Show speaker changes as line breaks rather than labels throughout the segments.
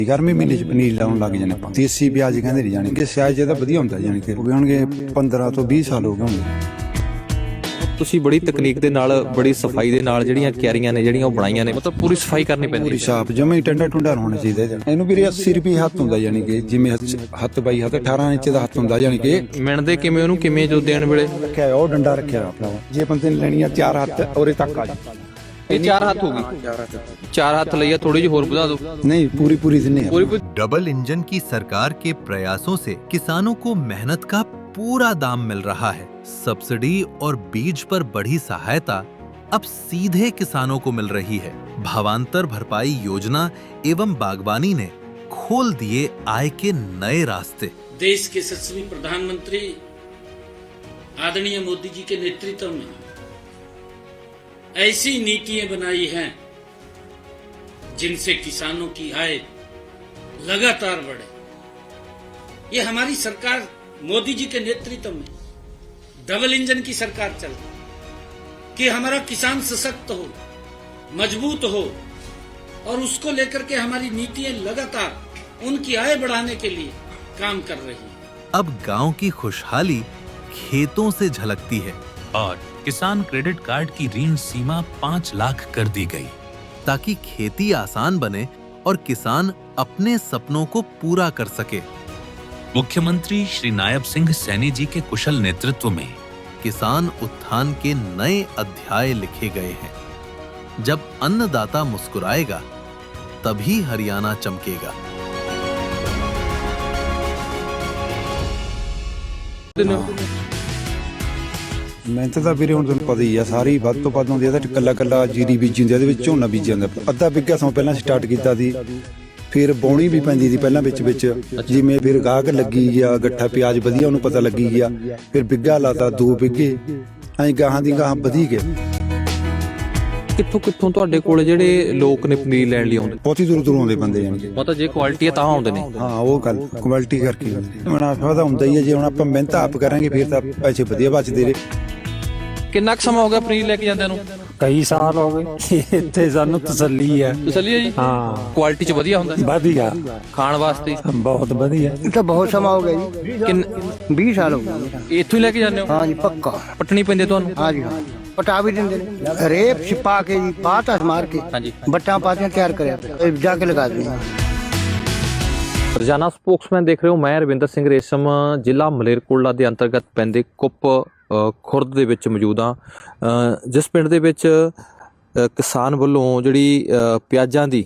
गर्मी महीने च पनीर लाउन लग जाने ਆਪਾਂ देसी प्याज ਕਹਿੰਦੇ ਨਹੀਂ ਜਾਣੀ ਕਿ ਸਿਆਜ ਜਿਹਦਾ ਵਧੀਆ ਹੁੰਦਾ ਜਾਣੀ ਕਿ ਹੋ ਗਏ ਹੋਣਗੇ 15 ਤੋਂ 20 ਸਾਲ ਹੋ ਗਏ ਹੋਣਗੇ।
ਤੁਸੀਂ ਬੜੀ ਤਕਨੀਕ ਦੇ ਨਾਲ ਬੜੀ ਸਫਾਈ ਦੇ ਨਾਲ ਜਿਹੜੀਆਂ ਕਿਆਰੀਆਂ ਨੇ ਜਿਹੜੀਆਂ ਉਹ ਬਣਾਈਆਂ ਨੇ, ਮਤਲਬ ਪੂਰੀ ਸਫਾਈ ਕਰਨੀ ਪੈਂਦੀ
ਪੂਰੀ ਸਾਫ ਜਮੇ ਹੀ ਟੰਡਾ ਟੁੰਡਾ ਹੋਣਾ ਚਾਹੀਦਾ ਇਹਨੂੰ ਵੀਰੇ 80 ਰੁਪਏ ਹੱਥ ਹੁੰਦਾ ਜਾਣੀ ਕਿ ਜਿਵੇਂ ਹੱਥ ਬਾਈ ਹੱਥ 18 ਇੰਚ ਦਾ ਹੱਥ ਹੁੰਦਾ ਜਾਣੀ ਕਿ
ਮਿਣਦੇ ਕਿਵੇਂ ਉਹਨੂੰ ਕਿਵੇਂ ਜੋ ਦੇਣ ਵੇਲੇ
ਰੱਖਿਆ ਉਹ ਡੰਡਾ ਰੱਖਿਆ ਆਪਣਾ ਜੇ ਬੰਦੇ ਨੇ ਲੈਣੀ ਆ 4 ਹੱਥ ਔਰੇ ਤੱਕ ਆ
ਇਹ 4 ਹੱਥ ਹੋ ਗਈ 4 ਹੱਥ ਲਈਆ थोड़ी ਜਿਹੀ ਹੋਰ ਵਧਾ ਦਿਓ
नहीं पूरी दिने
डबल इंजन की सरकार के प्रयासों से किसानों को मेहनत का पूरा दाम मिल रहा है। सब्सिडी और बीज पर बढ़ी सहायता अब सीधे किसानों को मिल रही है। भावांतर भरपाई योजना एवं बागवानी ने खोल दिए आय के नए रास्ते।
देश के यशस्वी प्रधानमंत्री आदरणीय मोदी जी के नेतृत्व में ऐसी नीतियां बनाई हैं जिनसे किसानों की आय लगातार बढ़े। ये हमारी सरकार मोदी जी के नेतृत्व में डबल इंजन की सरकार चल रही कि हमारा किसान सशक्त हो, मजबूत हो और उसको लेकर के हमारी नीतियां लगातार उनकी आय बढ़ाने के लिए काम कर रही है।
अब गांव की खुशहाली खेतों से झलकती है
और किसान क्रेडिट कार्ड की ऋण सीमा 5 लाख कर दी गई,
ताकि खेती आसान बने और किसान अपने सपनों को पूरा कर सके।
मुख्यमंत्री श्री नायब सिंह सैनी जी के कुशल नेतृत्व में
किसान उत्थान के नए अध्याय लिखे गए हैं। जब अन्नदाता मुस्कुराएगा तभी हरियाणा चमकेगा।
ਮਿਹਨਤ ਤਾਂ ਵੀਰੇ ਹੁਣ ਤੁਹਾਨੂੰ ਪਤਾ ਹੀ ਆ ਸਾਰੀ ਵੱਧ ਤੋਂ ਵੱਧ ਹੁੰਦੀ ਆ ਤਾਂ ਕੱਲਾ ਜੀਰੀ ਬੀਜੀ ਹੁੰਦੀ ਆ, ਇਹਦੇ ਵਿੱਚ ਝੋਨਾ ਬੀਜੀ ਜਾਂਦਾ। ਅੱਧਾ ਬਿੱਗਾ ਸਮਾਂ ਪਹਿਲਾਂ ਸਟਾਰਟ ਕੀਤਾ ਸੀ, ਫਿਰ ਬੌਣੀ ਵੀ ਪੈਂਦੀ ਸੀ ਪਹਿਲਾਂ ਵਿੱਚ ਜਿਵੇਂ ਫਿਰ ਗਾਹਕ ਲੱਗੀ ਗਿਆ ਗੱਠਾ ਪਿਆਜ਼ ਵਧੀਆ ਉਹਨੂੰ ਪਤਾ ਲੱਗੀ ਗਿਆ, ਫਿਰ ਬਿੱਗਾ ਲਾਤਾ 2 ਬਿੱਗੇ ਐਂ ਗਾਹਾਂ ਦੀ ਗਾਹਾਂ ਵਧੀ ਗਏ।
ਕਿੱਥੋਂ ਤੁਹਾਡੇ ਕੋਲ ਜਿਹੜੇ ਲੋਕ ਨੇ ਪਨੀਰ ਲੈਣ ਲਈ ਆਉਂਦੇ?
ਬਹੁਤੀ ਦੂਰੋਂ ਆਉਂਦੇ ਬੰਦੇ ਜਾਣਗੇ,
ਮਤਲਬ ਜੇ ਕੁਆਲਿਟੀ ਹੈ ਤਾਂ ਆਉਂਦੇ ਨੇ।
ਹਾਂ ਉਹ ਗੱਲ ਕੁਆਲਿਟੀ ਕਰਕੇ ਮੁਨਾਫਾ ਤਾਂ ਹੁੰਦਾ ਹੀ ਹੈ। ਜੇ ਹੁਣ ਆਪਾਂ ਮਿਹਨਤ ਆਪ ਕਰਾਂਗੇ ਫਿਰ ਤਾਂ ਪੈਸੇ ਵਧੀਆ ਬਚਦੇ ਨੇ।
ਕਿੰਨਾ ਕੁ ਸਮਾਂ ਹੋ ਗਿਆ ਪਨੀਰ ਲੈ ਕੇ ਜਾਂਦਿਆਂ ਨੂੰ?
ਕਈ ਸਾਲ ਹੋ ਗਏ। ਇੱਥੇ ਸਾਨੂੰ ਤਸੱਲੀ ਹੈ।
ਤਸੱਲੀ ਹੈ ਜੀ?
ਹਾਂ
ਕੁਆਲਿਟੀ ਚ ਵਧੀਆ ਹੁੰਦਾ?
ਵਧੀਆ,
ਖਾਣ ਵਾਸਤੇ
ਬਹੁਤ ਵਧੀਆ।
ਇਹ ਤਾਂ ਬਹੁਤ ਸਮਾਂ ਹੋ ਗਿਆ ਜੀ, 20 ਸਾਲ ਹੋ ਗਏ।
ਇੱਥੋਂ ਹੀ ਲੈ ਕੇ ਜਾਂਦੇ ਹੋ?
ਹਾਂ ਜੀ ਪੱਕਾ।
ਪਟਣੀ ਪੈਂਦੀ ਤੁਹਾਨੂੰ?
ਹਾਂ ਜੀ ਹਾਂ, ਪਟਾ ਵੀ ਦਿੰਦੇ ਨੇ, ਰੇਪ ਛਿਪਾ ਕੇ ਜੀ ਪਾਤਾ ਮਾਰ ਕੇ
ਹਾਂਜੀ
ਬੱਟਾਂ ਪਾਤੀਆਂ ਤਿਆਰ ਕਰਿਆ ਇਹ ਜਾ ਕੇ ਲਗਾ ਦਿੰਦੇ।
ਰੋਜ਼ਾਨਾ ਸਪੋਕਸਮੈਨ ਦੇਖ ਰਹੇ ਹੋ, ਮੈਂ ਰਵਿੰਦਰ ਸਿੰਘ ਰੇਸ਼ਮ ਜ਼ਿਲ੍ਹਾ ਮਲੇਰਕੋਟਲਾ ਦੇ ਅੰਤਰਗਤ ਪੈਂਦੇ ਕੁੱਪ ਖੁਰਦ ਦੇ ਵਿੱਚ ਮੌਜੂਦ ਹਾਂ, ਜਿਸ ਪਿੰਡ ਦੇ ਵਿੱਚ ਕਿਸਾਨ ਵੱਲੋਂ ਜਿਹੜੀ ਪਿਆਜ਼ਾਂ ਦੀ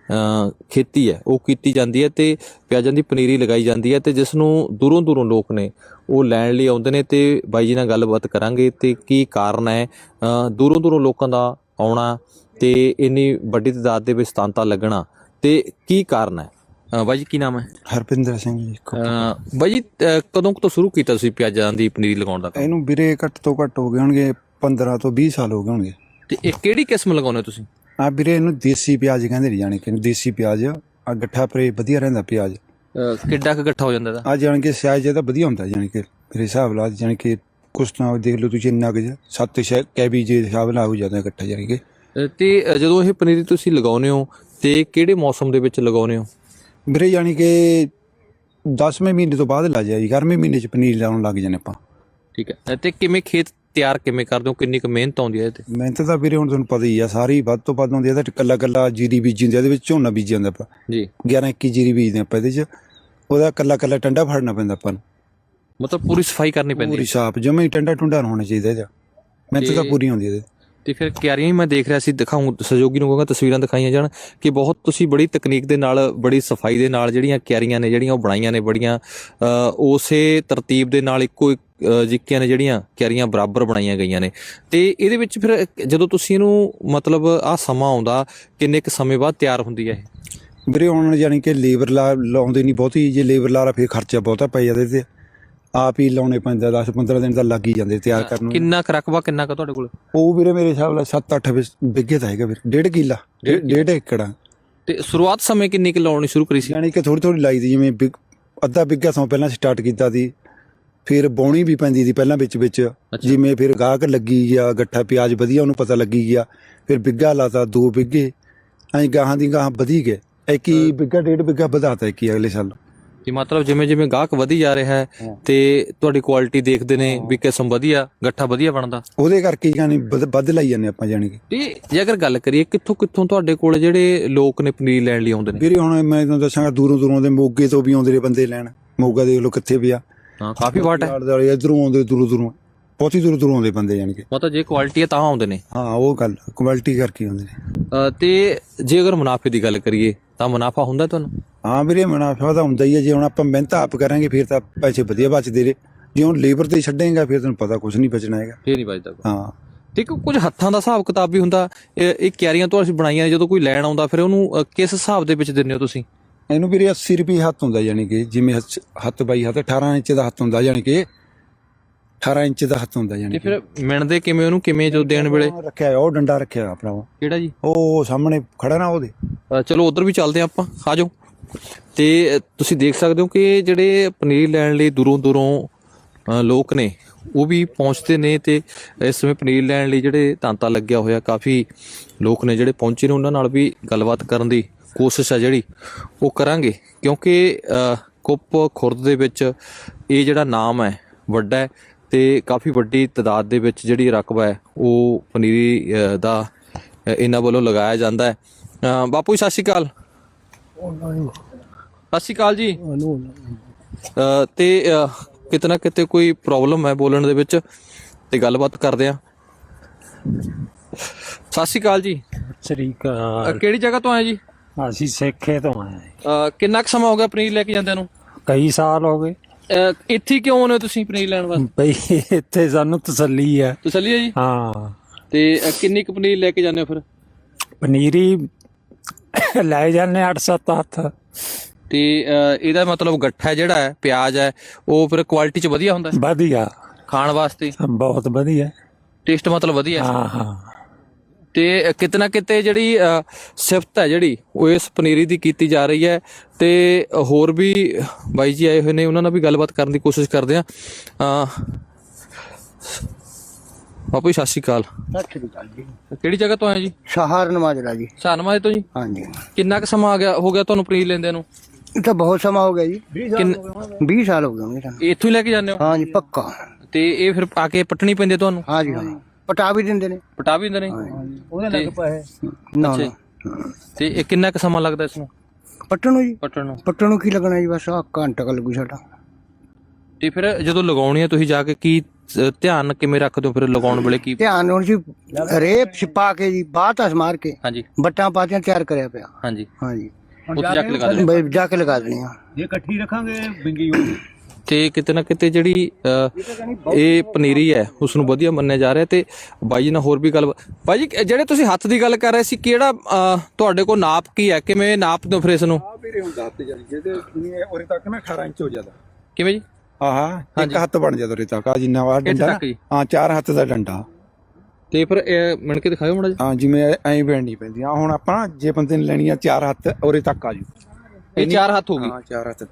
ਖੇਤੀ ਹੈ ਉਹ ਕੀਤੀ ਜਾਂਦੀ ਹੈ ਤੇ ਪਿਆਜ਼ਾਂ ਦੀ ਪਨੀਰੀ ਲਗਾਈ ਜਾਂਦੀ ਹੈ ਤੇ ਜਿਸ ਨੂੰ ਦੂਰੋਂ ਲੋਕ ਨੇ ਉਹ ਲੈਣ ਲਈ ਆਉਂਦੇ ਨੇ। ਤੇ ਬਾਈ ਜੀ ਨਾਲ ਗੱਲਬਾਤ ਕਰਾਂਗੇ ਤੇ ਕੀ ਕਾਰਨ ਹੈ ਦੂਰੋਂ ਲੋਕਾਂ ਦਾ ਆਉਣਾ ਤੇ ਇੰਨੀ ਵੱਡੀ ਤਾਦਾਦ ਦੇ ਵਿੱਚ ਤਾਂਤਾ ਲੱਗਣਾ ਤੇ ਕੀ ਕਾਰਨ ਹੈ? ਬਾਈ ਜੀ ਕੀ ਨਾਮ ਹੈ?
ਹਰਪਿੰਦਰ ਸਿੰਘ ਜੀ।
ਬਾਈ ਜੀ ਕਦੋਂ ਤੋਂ ਸ਼ੁਰੂ ਕੀਤਾ ਤੁਸੀਂ ਪਿਆਜ਼ਾਂ ਦੀ ਪਨੀਰੀ ਲਗਾਉਣ ਦਾ?
ਇਹਨੂੰ ਵੀਰੇ ਘੱਟ ਤੋਂ ਘੱਟ ਹੋ ਗਏ ਹੋਣਗੇ 15 ਤੋਂ 20 ਸਾਲ ਹੋ ਗਏ ਹੋਣਗੇ।
ਤੇ ਇਹ ਕਿਹੜੀ ਕਿਸਮ ਲਗਾਉਂਦੇ ਤੁਸੀਂ?
ਆ ਵੀਰੇ ਇਹਨੂੰ ਦੇਸੀ ਪਿਆਜ਼ ਕਹਿੰਦੇ ਨਹੀਂ ਜਾਣੀ ਕਿ ਦੇਸੀ ਪਿਆਜ਼ ਆ ਗੱਠਾ ਪਰੇ ਵਧੀਆ ਰਹਿੰਦਾ ਪਿਆਜ਼।
ਕਿੱਡਾ ਕੁ ਇਕੱਠਾ ਹੋ ਜਾਂਦਾ ਇਹਦਾ?
ਆ ਜਾਣ ਕੇ ਸਿਆਜ ਜਿਹਦਾ ਵਧੀਆ ਹੁੰਦਾ ਜਾਣੀ ਕਿ ਮੇਰੇ ਹਿਸਾਬ ਨਾਲ ਜਾਣੀ ਕਿ ਕੁਛ ਨਾ ਦੇਖ ਲਓ ਤੁਸੀਂ ਇੰਨਾ ਕੁ 7 ਕੈਬੀ ਜੇ ਹਿਸਾਬ ਨਾਲ ਹੋ ਜਾਂਦਾ ਇਕੱਠਾ ਜਾਣੀ ਕਿ।
ਤੇ ਜਦੋਂ ਇਹ ਪਨੀਰੀ ਤੁਸੀਂ ਲਗਾਉਂਦੇ ਹੋ ਤੇ ਕਿਹੜੇ ਮੌਸਮ ਦੇ ਵਿੱਚ ਲਗਾਉਂਦੇ ਹੋ?
ਵੀਰੇ ਜਾਣੀ ਕਿ 10ਵੇਂ ਮਹੀਨੇ ਤੋਂ ਬਾਅਦ ਲਾ ਜਾਈ, ਗਰਮੀ ਮਹੀਨੇ ਚ ਪਨੀਰ ਲਾਉਣ ਲੱਗ ਜਾਂਦੇ ਆਪਾਂ।
ਠੀਕ ਹੈ। ਤੇ ਕਿਵੇਂ ਖੇਤ ਤਿਆਰ ਕਿਵੇਂ ਕਰਦੇ ਹੋ? ਕਿੰਨੀ ਕੁ ਮਿਹਨਤ ਆਉਂਦੀ ਹੈ ਇਹਦੇ ਤੇ?
ਮਿਹਨਤ ਤਾਂ ਵੀਰੇ ਹੁਣ ਤੁਹਾਨੂੰ ਪਤਾ ਹੀ ਆ ਸਾਰੀ ਵੱਧ ਤੋਂ ਵੱਧ ਹੁੰਦੀ ਆ ਤਾਂ ਕੱਲਾ ਜੀਰੀ ਬੀਜੀ ਹੁੰਦੀ ਆ, ਇਹਦੇ ਵਿੱਚ ਝੋਨਾ ਬੀਜੀ ਜਾਂਦਾ ਆਪਾਂ
ਜੀ
11-21 ਜੀਰੀ ਬੀਜਦੇ ਆਪਾਂ ਇਹਦੇ ਚ। ਉਹਦਾ ਕੱਲਾ ਟੰਡਾ ਫੜਨਾ ਪੈਂਦਾ ਆਪਾਂ ਨੂੰ,
ਮਤਲਬ ਪੂਰੀ ਸਫਾਈ ਕਰਨੀ ਪੈਂਦੀ
ਪੂਰੀ ਸਾਫ ਜਮੇ ਹੀ ਟੰਡਾ ਟੁੰਡਾ ਹੋਣਾ ਚਾਹੀਦਾ ਇਹਦਾ। ਮਿਹਨਤ ਤਾਂ ਪੂਰੀ ਹੁੰਦੀ ਇਹਦੇ।
ਤੇ ਫਿਰ ਕਿਆਰੀਆਂ ਹੀ ਮੈਂ ਦੇਖ ਰਿਹਾ ਸੀ, ਦਿਖਾਉਂ ਸਹਿਯੋਗੀ ਨੂੰ ਕਹਾਂਗਾ ਤਸਵੀਰਾਂ ਦਿਖਾਈਆਂ ਜਾਣ ਕਿ ਬਹੁਤ ਤੁਸੀਂ ਬੜੀ ਤਕਨੀਕ ਦੇ ਨਾਲ ਬੜੀ ਸਫਾਈ ਦੇ ਨਾਲ ਜਿਹੜੀਆਂ ਕਿਆਰੀਆਂ ਨੇ ਜਿਹੜੀਆਂ ਉਹ ਬਣਾਈਆਂ ਨੇ, ਬੜੀਆਂ ਉਸੇ ਤਰਤੀਬ ਦੇ ਨਾਲ ਇੱਕੋ ਜਿੱਕਿਆਂ ਨੇ ਜਿਹੜੀਆਂ ਕਿਆਰੀਆਂ ਬਰਾਬਰ ਬਣਾਈਆਂ ਗਈਆਂ ਨੇ। ਤੇ ਇਹਦੇ ਵਿੱਚ ਫਿਰ ਜਦੋਂ ਤੁਸੀਂ ਇਹਨੂੰ ਮਤਲਬ ਆਹ ਸਮਾਂ ਆਉਂਦਾ ਕਿੰਨੇ ਕੁ ਸਮੇਂ ਬਾਅਦ ਤਿਆਰ ਹੁੰਦੀ ਹੈ ਇਹ?
ਵੀਰੇ ਹੁਣ ਜਾਣੀ ਕਿ ਲੇਬਰ ਲਾਉਂਦੇ ਨਹੀਂ ਬਹੁਤੀ, ਜੇ ਲੇਬਰ ਲਾ ਲਾ ਫਿਰ ਖਰਚਾ ਬਹੁਤਾ ਪੈ ਜਾਂਦਾ ਤੇ ਆਪ ਹੀ ਲਾਉਣੇ ਪੈਂਦਾ। 10-15 ਦਿਨ ਤਾਂ ਲੱਗ ਹੀ ਜਾਂਦੇ ਤਿਆਰ ਕਰਨ ਨੂੰ।
ਕਿੰਨਾ ਕੁ ਰਕਬਾ ਕਿੰਨਾ ਕੁ ਤੁਹਾਡੇ ਕੋਲ?
ਉਹ ਵੀਰੇ ਮੇਰੇ ਹਿਸਾਬ ਨਾਲ 7-8 ਬਿੱਗੇ ਤਾਂ ਹੈਗਾ ਵੀਰੇ, 1.5 ਕਿੱਲਾ 1.5 ਏਕੜ।
ਤੇ ਸ਼ੁਰੂਆਤ ਸਮੇਂ ਕਿੰਨੀ ਕੁ ਲਾਉਣੀ ਸ਼ੁਰੂ ਕਰੀ ਸੀ?
ਯਾਨੀ ਕਿ ਥੋੜੀ ਲਾਈ ਦੀ, ਜਿਵੇਂ ਅੱਧਾ ਬਿੱਗਾ ਸਮਾਂ ਪਹਿਲਾਂ ਸਟਾਰਟ ਕੀਤਾ ਸੀ, ਫਿਰ ਬੌਣੀ ਵੀ ਪੈਂਦੀ ਸੀ ਪਹਿਲਾਂ ਵਿੱਚ ਜਿਵੇਂ ਫਿਰ ਗਾਹਕ ਲੱਗੀ ਗਿਆ ਗੱਠਾ ਪਿਆਜ਼ ਵਧੀਆ ਉਹਨੂੰ ਪਤਾ ਲੱਗੀ ਗਿਆ, ਫਿਰ ਬਿੱਗਾ ਲਾਤਾ 2 ਬਿੱਗੇ ਐਂ ਗਾਹਾਂ ਦੀ ਗਾਹਾਂ ਵਧੀ ਗਏ। 21 ਬਿੱਗਾ 1.5 ਬਿੱਗਾ ਵਧਾਤਾ 21 ਅਗਲੇ ਸਾਲ।
ਕਿ ਮਤਲਬ ਜਿਵੇਂ ਜਿਵੇਂ ਗਾਹਕ ਵਧੀ ਜਾ ਰਿਹਾ ਹੈ ਤੇ ਤੁਹਾਡੀ ਕੁਆਲਿਟੀ ਦੇਖਦੇ ਨੇ ਵੀ ਕਿਸਮ ਵਧੀਆ, ਗੱਠਾ ਵਧੀਆ ਬਣਦਾ,
ਉਹਦੇ ਕਰਕੇ ਯਾਨੀ ਵੱਧ ਲਾਈ ਜਾਂਦੇ ਆਪਾਂ ਜਾਣੀ ਕਿ।
ਤੇ ਜੇ ਅਗਰ ਗੱਲ ਕਰੀਏ ਕਿੱਥੋਂ ਕਿੱਥੋਂ ਤੁਹਾਡੇ ਕੋਲ ਜਿਹੜੇ ਲੋਕ ਨੇ ਪਨੀਰ ਲੈਣ ਲਈ ਆਉਂਦੇ ਨੇ?
ਵੀਰੇ ਹੁਣ ਮੈਂ ਤੁਹਾਨੂੰ ਦੱਸਾਂਗਾ, ਦੂਰੋਂ ਦੂਰੋਂ ਦੇ ਮੋਗੇ ਤੋਂ ਵੀ ਆਉਂਦੇ ਨੇ ਬੰਦੇ ਲੈਣ। ਮੋਗਾ ਦੇਖ ਲਓ ਕਿੱਥੇ ਪਿਆ,
ਹਾਂ ਕਾਫੀ ਵਾਟ ਹੈ।
ਇਧਰੋਂ ਆਉਂਦੇ, ਦੂਰੋਂ ਦੂਰੋਂ, ਬਹੁਤੀ ਦੂਰੋਂ ਦੂਰੋਂ ਆਉਂਦੇ ਬੰਦੇ ਜਾਣੀ ਕਿ।
ਮਤਲਬ ਜੇ ਕੁਆਲਿਟੀ ਹੈ ਤਾਂ ਆਉਂਦੇ ਨੇ।
ਹਾਂ ਉਹ ਗੱਲ ਕੁਆਲਿਟੀ ਕਰਕੇ ਆਉਂਦੇ ਨੇ।
ਤੇ ਜੇ ਅਗਰ ਮੁਨਾਫੇ ਦੀ ਗੱਲ ਕਰੀਏ ਤਾਂ ਮੁਨਾਫਾ ਹੁੰਦਾ ਤੁਹਾਨੂੰ?
ਹਾਂ ਵੀਰੇ ਮੁਨਾਫਾ ਤਾਂ ਹੁੰਦਾ ਹੀ ਹੈ। ਜੇ ਹੁਣ ਆਪਾਂ ਮਿਹਨਤ ਆਪ ਕਰਾਂਗੇ ਫਿਰ ਤਾਂ ਪੈਸੇ ਵਧੀਆ ਬਚਦੇ ਨੇ। ਜੇ ਹੁਣ ਲੇਬਰ ਤੇ ਛੱਡੇਗਾ ਫਿਰ ਤੈਨੂੰ ਪਤਾ ਕੁਝ ਨਹੀਂ ਬਚਣਾ ਹੈਗਾ।
ਫੇਰ ਨਹੀਂ ਬਚਦਾ।
ਹਾਂ
ਤੇ ਕੁਝ ਹੱਥਾਂ ਦਾ ਹਿਸਾਬ ਕਿਤਾਬ ਵੀ ਹੁੰਦਾ। ਇਹ ਕਿਆਰੀਆਂ ਤੋਂ ਅਸੀਂ ਬਣਾਈਆਂ ਨੇ, ਜਦੋਂ ਕੋਈ ਲੈਣ ਆਉਂਦਾ ਫਿਰ ਉਹਨੂੰ ਕਿਸ ਹਿਸਾਬ ਦੇ ਵਿੱਚ ਦਿੰਦੇ ਹੋ ਤੁਸੀਂ?
ਇਹਨੂੰ ਵੀਰੇ 80 ਰੁਪਏ ਹੱਥ ਹੁੰਦਾ, ਜਾਣੀ ਕਿ ਜਿਵੇਂ ਹੱਥ ਬਾਈ ਹੱਥ 18 ਇੰਚ ਦਾ ਹੱਥ ਹੁੰਦਾ, ਜਾਣੀ ਕਿ 18 ਇੰਚ ਦਾ ਹੱਥ ਹੁੰਦਾ
ਤੇ
ਜਾਣੀ।
ਫਿਰ ਮਿਣਦੇ ਕਿਵੇਂ ਉਹਨੂੰ, ਕਿਵੇਂ ਜੋ ਦੇਣ ਵੇਲੇ?
ਰੱਖਿਆ ਉਹ ਡੰਡਾ ਰੱਖਿਆ ਆਪਣਾ,
ਕਿਹੜਾ ਜੀ?
ਉਹ ਸਾਹਮਣੇ ਖੜਾ ਨਾ ਉਹਦੇ।
ਚਲੋ ਉਧਰ ਵੀ ਚੱਲਦੇ ਆਪਾਂ, ਆ ਜਾਓ। ਤੇ ਤੁਸੀਂ ਦੇਖ ਸਕਦੇ ਹੋ ਕਿ ਜਿਹੜੇ ਪਨੀਰ ਲੈਣ ਲਈ ਦੂਰੋਂ ਦੂਰੋਂ ਲੋਕ ਨੇ ਉਹ ਵੀ ਪਹੁੰਚਦੇ ਨੇ ਤੇ ਇਸ ਸਮੇਂ ਪਨੀਰ ਲੈਣ ਲਈ ਜਿਹੜੇ ਤਾਂਤਾ ਲੱਗਿਆ ਹੋਇਆ, ਕਾਫੀ ਲੋਕ ਨੇ ਜਿਹੜੇ ਪਹੁੰਚੇ ਨੇ, ਉਹਨਾਂ ਨਾਲ ਵੀ ਗੱਲਬਾਤ ਕਰਨ ਦੀ ਕੋਸ਼ਿਸ਼ ਆ ਜਿਹੜੀ ਉਹ ਕਰਾਂਗੇ, ਕਿਉਂਕਿ ਕੁੱਪ ਖੁਰਦ ਦੇ ਵਿੱਚ ਇਹ ਜਿਹੜਾ ਨਾਮ ਹੈ ਵੱਡਾ ਹੈ ਤੇ ਕਾਫੀ ਵੱਡੀ ਤਾਦਾਦ ਦੇ ਵਿੱਚ ਜਿਹੜੀ ਰਕਬਾ ਹੈ ਉਹ ਪਨੀਰੀ ਦਾ ਇਹਨਾਂ ਵੱਲੋਂ ਲਗਾਇਆ ਜਾਂਦਾ ਹੈ। ਬਾਪੂ ਜੀ ਸਤਿ ਸ਼੍ਰੀ ਅਕਾਲ। ਸਤਿ ਸ਼੍ਰੀ ਅਕਾਲ ਜੀ। ਤੇ ਕਿਤੇ ਨਾ ਕਿਤੇ ਕੋਈ ਪ੍ਰੋਬਲਮ ਹੈ ਬੋਲਣ ਦੇ ਵਿੱਚ, ਤੇ ਗੱਲਬਾਤ ਕਰਦੇ ਆ। ਸਤਿ ਸ਼੍ਰੀ ਅਕਾਲ ਜੀ।
ਸ੍ਰੀ ਅਕਾਲ।
ਕਿਹੜੀ ਜਗ੍ਹਾ ਤੋਂ ਆਏ ਜੀ?
ਅਸੀਂ ਸਿੱਖੇ ਤੋਂ ਆਏ।
ਕਿੰਨਾ ਕੁ ਸਮਾਂ ਹੋ ਗਿਆ ਪਨੀਰ ਲੈ ਕੇ ਜਾਂਦਿਆਂ ਨੂੰ?
ਕਈ ਸਾਲ ਹੋ ਗਏ।
ਇੱਥੇ ਕਿਉਂ ਆਉਂਦੇ ਹੋ ਤੁਸੀਂ ਪਨੀਰ ਲੈਣ ਵਾਸਤੇ?
ਬਈ ਇੱਥੇ ਸਾਨੂੰ ਤਸੱਲੀ ਹੈ।
ਤਸੱਲੀ ਹੈ ਜੀ।
ਹਾਂ।
ਤੇ ਕਿੰਨੀ ਕੁ ਪਨੀਰ ਲੈ ਕੇ ਜਾਂਦੇ ਹੋ ਫਿਰ?
ਪਨੀਰੀ ਲੈ ਜਾਂਦੇ 8-7 ਹੱਥ।
ਤੇ ਇਹਦਾ ਮਤਲਬ ਗੱਠਾ ਜਿਹੜਾ ਹੈ, ਪਿਆਜ਼ ਹੈ, ਉਹ ਫਿਰ ਕੁਆਲਿਟੀ ਚ ਵਧੀਆ ਹੁੰਦਾ?
ਵਧੀਆ,
ਖਾਣ ਵਾਸਤੇ
ਬਹੁਤ ਵਧੀਆ,
ਟੇਸਟ ਮਤਲਬ ਵਧੀਆ।
ਹਾਂ ਹਾਂ।
ਤੇ ਕਿਤੇ ਨਾ ਕਿਤੇ ਜਿਹੜੀ ਸਿਫਤ ਹੈ ਜਿਹੜੀ ਉਹ ਇਸ ਪਨੀਰੀ ਦੀ ਕੀਤੀ ਜਾ ਰਹੀ ਹੈ। ਤੇ ਹੋਰ ਵੀ ਬਾਈ ਜੀ ਆਏ ਹੋਏ ਨੇ, ਉਹਨਾਂ ਨਾਲ ਵੀ ਗੱਲਬਾਤ ਕਰਨ ਦੀ ਕੋਸ਼ਿਸ਼ ਕਰਦੇ ਆ। ਬਾਪੂ ਜੀ ਸਤਿ ਸ਼੍ਰੀ ਅਕਾਲ।
ਸਤਿ ਸ਼੍ਰੀ ਅਕਾਲ ਜੀ।
ਕਿਹੜੀ ਜਗ੍ਹਾ ਤੋਂ ਆਏ ਜੀ?
ਸਹਾਰਨ ਮਾਜਰਾ ਜੀ।
ਸਹਾਰਨਮਾਜਰੇ ਤੋਂ ਜੀ।
ਹਾਂਜੀ।
ਕਿੰਨਾ ਕੁ ਸਮਾਂ ਹੋ ਗਿਆ ਤੁਹਾਨੂੰ ਪਨੀਰ ਲੈਂਦਿਆਂ ਨੂੰ?
ਇਹ ਤਾਂ ਬਹੁਤ ਸਮਾਂ ਹੋ ਗਿਆ ਜੀ। 20 ਸਾਲ ਹੋ ਗਏ ਹੋਣਗੇ ਸਾਨੂੰ।
ਇੱਥੋਂ ਹੀ ਲੈ ਕੇ ਜਾਂਦੇ ਹੋ?
ਹਾਂਜੀ ਪੱਕਾ।
ਤੇ ਇਹ ਫਿਰ ਆ ਕੇ ਪੱਟਣੀ ਪੈਂਦੀ ਹੈ ਤੁਹਾਨੂੰ?
ਹਾਂਜੀ ਹਾਂ। ਪਟਾ ਵੀ ਦਿੰਦੇ ਨੇ।
ਪਟਾ ਵੀ ਦਿੰਦੇ ਨੇ?
ਉਹਦੇ ਲੱਗ ਪਏ ਨਾ।
ਤੇ ਇਹ ਕਿੰਨਾ ਕੁ ਸਮਾਂ ਲੱਗਦਾ ਇਸ ਨੂੰ
ਪੱਟਣ ਨੂੰ ਜੀ?
ਪੱਟਣ ਨੂੰ
ਕੀ ਲੱਗਣਾ ਜੀ, ਬਸ ਘੰਟਾ ਕੁ ਲੱਗੂ ਸਾਡਾ।
ਤੇ ਫਿਰ ਜਦੋਂ ਲਗਾਉਣੀ ਹੈ ਤੁਸੀਂ ਜਾ ਕੇ ਕੀ ਧਿਆਨ ਕਿਵੇਂ ਰੱਖਦੇ ਹੋ ਫਿਰ ਲਗਾਉਣ ਵੇਲੇ? ਕੀ
ਧਿਆਨ ਹੁਣ ਜੀ, ਰੇਪ ਛਿਪਾ ਕੇ ਜੀ, ਬਾਤਾਂ ਮਾਰ ਕੇ
ਹਾਂਜੀ
ਬੱਟਾਂ ਪਾਤੀਆਂ ਤਿਆਰ ਕਰਿਆ ਪਿਆ।
ਹਾਂਜੀ
ਹਾਂਜੀ।
ਉੱਥੇ ਜਾ ਕੇ ਲਗਾ ਦਿਓ।
ਬਈ ਜਾ ਕੇ ਲਗਾ ਦੇਣੀ ਆ।
ਜੇ ਇਕੱਠੀ ਰੱਖਾਂਗੇ ਬਿੰਗੀ।
ਤੇ ਕਿਤੇ ਨਾ ਕਿਤੇ ਜਿਹੜੀ ਇਹ ਪਨੀਰੀ ਹੈ ਉਸ ਨੂੰ ਵਧੀਆ ਮੰਨਿਆ ਜਾ ਰਿਹਾ। ਤੇ ਬਾਈ ਜੀ ਨਾਲ ਹੋਰ ਵੀ ਗੱਲ। ਬਾਈ ਜੀ ਜਿਹੜੇ ਤੁਸੀਂ ਹੱਥ ਦੀ ਗੱਲ ਕਰ ਰਹੇ ਸੀ, ਕਿਹੜਾ ਤੁਹਾਡੇ ਕੋਲ ਨਾਪ ਕੀ ਹੈ, ਕਿਵੇਂ ਨਾਪ ਦਿਓ ਫਿਰ ਇਸ ਨੂੰ?
ਵੀਰੇ ਹੁਣ ਦੱਸਦੇ ਜਾਨੀ ਜਿਹਦੇ ਉਰੇ ਤੱਕ ਨਾ 18 ਇੰਚ ਹੋ ਜਾਂਦਾ।
ਕਿਵੇਂ ਜੀ?
ਆਹ ਇੱਕ ਹੱਥ ਬਣ ਜਾਂਦਾ ਉਰੇ ਤੱਕ, ਆ ਜਿੰਨਾ ਵਾ ਡੰਡਾ। ਹਾਂ 4 ਹੱਥ ਦਾ ਡੰਡਾ।
ਤੇ ਫਿਰ ਇਹ ਮਿਣ ਕੇ ਦਿਖਾਓ ਮਾੜਾ ਜਿਹਾ।
ਹਾਂ ਜਿਵੇਂ ਐਂ ਬੈਣੀ ਪੈਂਦੀ ਆ। ਹੁਣ ਆਪਾਂ ਜੇ ਬੰਦੇ ਨੇ ਲੈਣੀ ਆ 4 ਹੱਥ ਉਰੇ ਤੱਕ ਆ ਜੂ।
ਇਹ 4 ਹੱਥ ਹੋ ਗਈ?
ਹਾਂ 4 ਹੱਥ।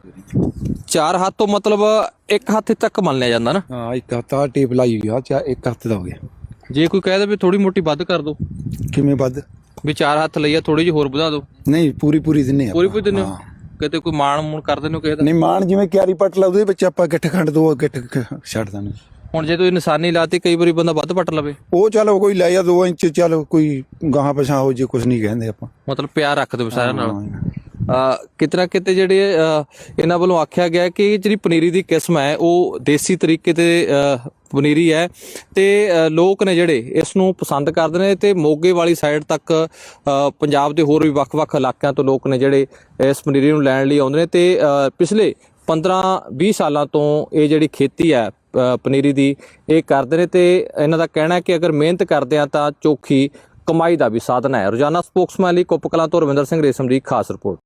4 ਹੱਥ ਤੋਂ ਮਤਲਬ ਇੱਕ ਹੱਥ ਤੱਕ ਮੰਨ ਲਿਆ ਜਾਂਦਾ ਨਾ?
ਹਾਂ ਇੱਕ ਹੱਥ ਆ ਟੇਪ ਲਾਈ ਹੋਈ ਆ, ਇੱਕ ਹੱਥ ਦਾ ਹੋ ਗਿਆ।
ਜੇ ਕੋਈ ਕਹਿ ਦੇ ਵੀ ਥੋੜੀ ਮੋਟੀ ਵੱਧ ਕਰ ਦੋ?
ਕਿਵੇਂ ਵੱਧ?
ਵੀ 4 ਹੱਥ ਲਈਆ, ਥੋੜੀ ਜਿਹੀ ਹੋਰ ਵਧਾ ਦਿਓ?
ਨਹੀਂ ਪੂਰੀ ਦਿੰਨੇ ਆ।
ਪੂਰੀ ਦਿੰਦੇ ਹੋ? ਕਿਤੇ ਕੋਈ ਮਾਣ ਮੂਣ ਕਰ ਦਿੰਦੇ ਹੋ ਕਿਸੇ ਦਾ?
ਨਹੀਂ ਮਾਣ ਜਿਵੇਂ ਕਿਆਰੀ ਪੱਟ ਲਾ ਉਹਦੇ ਵਿੱਚ ਆਪਾਂ ਗਿੱਠ ਖੰਡ 2 ਗਿੱਠ ਛੱਡ ਦਿੰਦੇ।
ਹੁਣ ਜੇ ਤੁਸੀਂ ਨਿਸ਼ਾਨੀ ਲਾਤੀ, ਕਈ ਵਾਰੀ ਬੰਦਾ ਵੱਧ ਪੱਟ ਲਵੇ,
ਉਹ ਚਲੋ ਕੋਈ ਲੈ ਜਾ 2 ਇੰਚ, ਚਲੋ ਕੋਈ ਗਾਹਾਂ ਪਛਾਂ ਹੋ ਜੇ, ਕੁਝ ਨਹੀਂ ਕਹਿੰਦੇ ਆਪਾਂ।
ਮਤਲਬ ਪਿਆਰ ਰੱਖ ਦਿਓ ਸਾਰਿਆਂ ਨਾਲ। ਕਿਤੇ ਨਾ ਕਿਤੇ ਜਿਹੜੇ ਇਹਨਾਂ ਵੱਲੋਂ ਆਖਿਆ ਗਿਆ ਕਿ ਜਿਹੜੀ ਪਨੀਰੀ ਦੀ ਕਿਸਮ ਹੈ ਉਹ ਦੇਸੀ ਤਰੀਕੇ ਤੇ ਪਨੀਰੀ ਹੈ ਤੇ ਲੋਕ ਨੇ ਜਿਹੜੇ ਇਸ ਨੂੰ ਪਸੰਦ ਕਰਦੇ ਨੇ। ਤੇ ਮੋਗੇ ਵਾਲੀ ਸਾਈਡ ਤੱਕ ਪੰਜਾਬ ਦੇ ਹੋਰ ਵੀ ਵੱਖ-ਵੱਖ ਇਲਾਕਿਆਂ ਤੋਂ ਲੋਕ ਨੇ ਜਿਹੜੇ ਇਸ ਪਨੀਰੀ ਨੂੰ ਲੈਣ ਲਈ ਆਉਂਦੇ ਨੇ। ਤੇ ਪਿਛਲੇ 15-20 ਸਾਲਾਂ ਤੋਂ ਇਹ ਜਿਹੜੀ ਖੇਤੀ ਹੈ ਪਨੀਰੀ ਦੀ ਇਹ ਕਰਦੇ ਨੇ। ਤੇ ਇਹਨਾਂ ਦਾ ਕਹਿਣਾ ਹੈ ਕਿ ਅਗਰ ਮਿਹਨਤ ਕਰਦੇ ਆ ਤਾਂ ਚੋਖੀ ਕਮਾਈ ਦਾ ਵੀ ਸਾਧਨ ਹੈ। ਰੋਜ਼ਾਨਾ ਸਪੋਕਸਮੈਨ ਲਈ ਕੁੱਪ ਕਲਾਂ ਤੋਂ ਰਵਿੰਦਰ ਸਿੰਘ ਰੇਸ਼ਮ ਦੀ ਖਾਸ ਰਿਪੋਰਟ।